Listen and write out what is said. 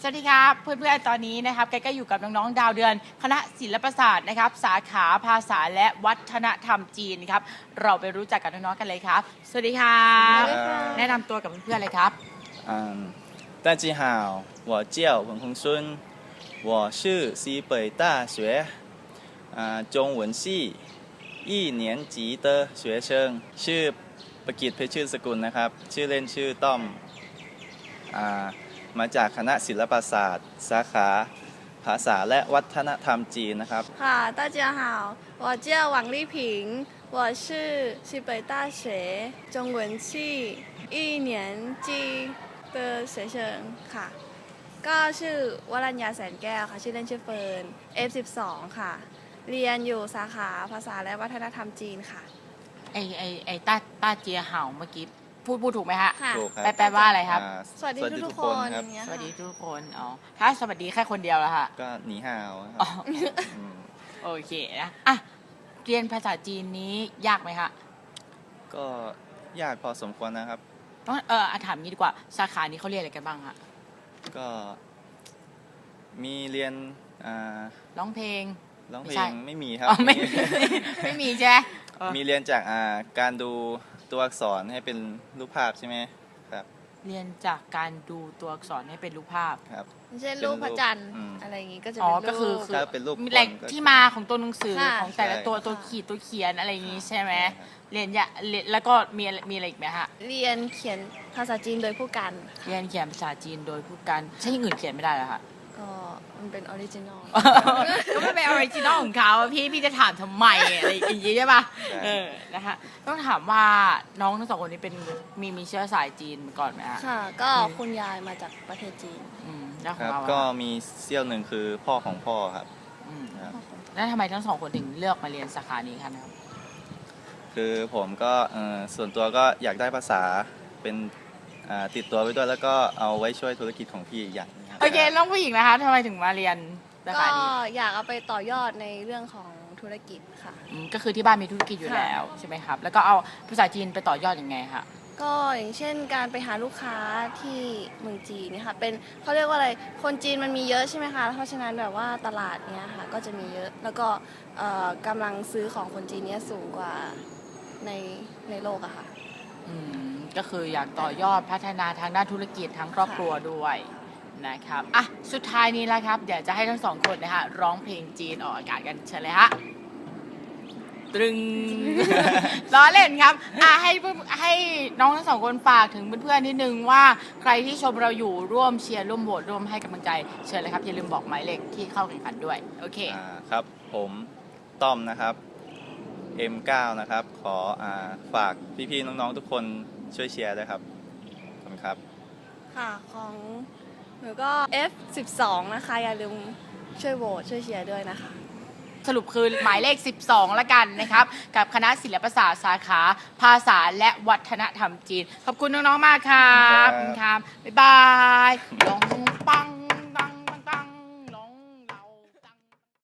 สวัสดีครับเพื่อนๆตอนนี้นะครับแกก็อยู่กับน้องๆดาวเดือนคณะศิลปศาสตร์นะครับสาขาภาษาและวัฒนธรรมจีนครับเราไปรู้จักกับน้องๆกันเลยครับสวัสดีครับแนะนำตัวกับเพื่อนๆเลยครับ大家好我叫文宏孙我是西北大学中文系一年级的学生ชื่อประกิตเพชรชื่อสกุลนะครับชื่อเล่นชื่อต้อมมาจากคณะศิลปศาสตร์สาขาภาษาและวัฒนธรรมจีนนะครับค่ะ大家好我叫王丽萍我是西北大学中文系一年级的学生ค่ะก็ชื่อวรัญญาแสนแก้วค่ะชื่อเล่นชื่อเฟิร์น F12 ค่ะเรียนอยู่สาขาภาษาและวัฒนธรรมจีนค่ะไอ้ต้าเจียเห่าเมื่อกี้พูดถูกไหมฮะถูกครับแปลว่าอะไรครับสวัสดีทุกคนครับสวัสดีทุกคนอ๋อถ้าสวัสดีแค่คนเดียวแล้วค่ะก็หนีห่าวครับโอเคนะอ่ะเรียนภาษาจีนนี้ยากไหมฮะก็ยากพอสมควรนะครับต้องถามงี้ดีกว่าสาขานี้เขาเรียนอะไรกันบ้างฮะก็มีเรียนร้องเพลงไม่มีครับไม่มีใช่ไหมมีเรียนจากการดูตัวอักษรให้เป็นรูปภาพใช่ไหมครับเรียนจากการดูตัวอักษรให้เป็นรูปภาพครับเช่นรูปพระจันทร์อะไรอย่างงี้ก็จะก็คือเป็นรูปแหล่งที่มาของตัวหนังสือของแต่ละตัวขีดตัวเขียนอะไรอย่างงี้ใช่ไหมเรียนแล้วก็มีอะไรอีกไหมฮะเรียนเขียนภาษาจีนโดยผู้กันเรียนเขียนภาษาจีนโดยผู้กันใช่อย่างอื่นเขียนไม่ได้เหรอคะก็มันเป็นออริจินอลก็ไม่เป็นออริจินอลของเขาพี่จะถามทำไมอะไรอย่างงี้ใช่ป่ะนะคะต้องถามว่าน้องทั้งสองคนนี้เป็นมีเชื้อสายจีนมาก่อนไหมฮะค่ะก็คุณยายมาจากประเทศจีนแล้วของเราก็มีเซี่ยวหนึ่งคือพ่อของพ่อครับแล้วทำไมทั้งสองคนถึงเลือกมาเรียนสาขานี้คะนะครับคือผมก็ส่วนตัวก็อยากได้ภาษาเป็นติดตัวไว้ด้วยแล้วก็เอาไว้ช่วยธุรกิจของพี่อีกอย่างโอเคน้องผู้หญิงนะคะทำไมถึงมาเรียนสาขานี้ก็อยากเอาไปต่อยอดในเรื่องของธุรกิจค่ะก็คือที่บ้านมีธุรกิจอยู่แล้วใช่ไหมครับแล้วก็เอาภาษาจีนไปต่อยอดยังไงคะก็อย่างเช่นการไปหาลูกค้าที่เมืองจีนเนี่ยค่ะเป็นเขาเรียกว่าอะไรคนจีนมันมีเยอะใช่ไหมคะเพราะฉะนั้นแบบว่าตลาดเนี้ยค่ะก็จะมีเยอะแล้วก็กำลังซื้อของคนจีนเนี้ยสูงกว่าในโลกอะค่ะก็คืออยากต่อยอดพัฒนาทางด้านธุรกิจทั้งครอบครัวด้วยนะครับอ่ะสุดท้ายนี้แล้วครับเดี๋ยวจะให้ทั้งสองคนนะฮะร้องเพลงจีนออกอากาศกันเชิญเลยฮะตรึงล้อเล่นครับให้น้องทั้งสองคนฝากถึงเพื่อนๆนิดนึงว่าใครที่ชมเราอยู่ร่วมเชียร์ร่วมโหวตร่วมให้กำลังใจเชิญเลยครับอย่าลืมบอกหมายเลขที่เข้าแข่งขันด้วยโอเคครับผมต้อมนะครับ M9 นะครับขอฝากพี่ๆน้องๆทุกคนช่วยเชียร์ด้วยครับขอบคุณครับค่ะของหนูก็ F12 นะคะอย่าลืมช่วยโหวตช่วยเชียร์ด้วยนะคะสรุปคือหมายเลข12ละกันนะครับกับคณะศิลปศาสตร์สาขาภาษาและวัฒนธรรมจีนขอบคุณน้องๆมากครับขอบคุณครับบ๊ายบายลองปัง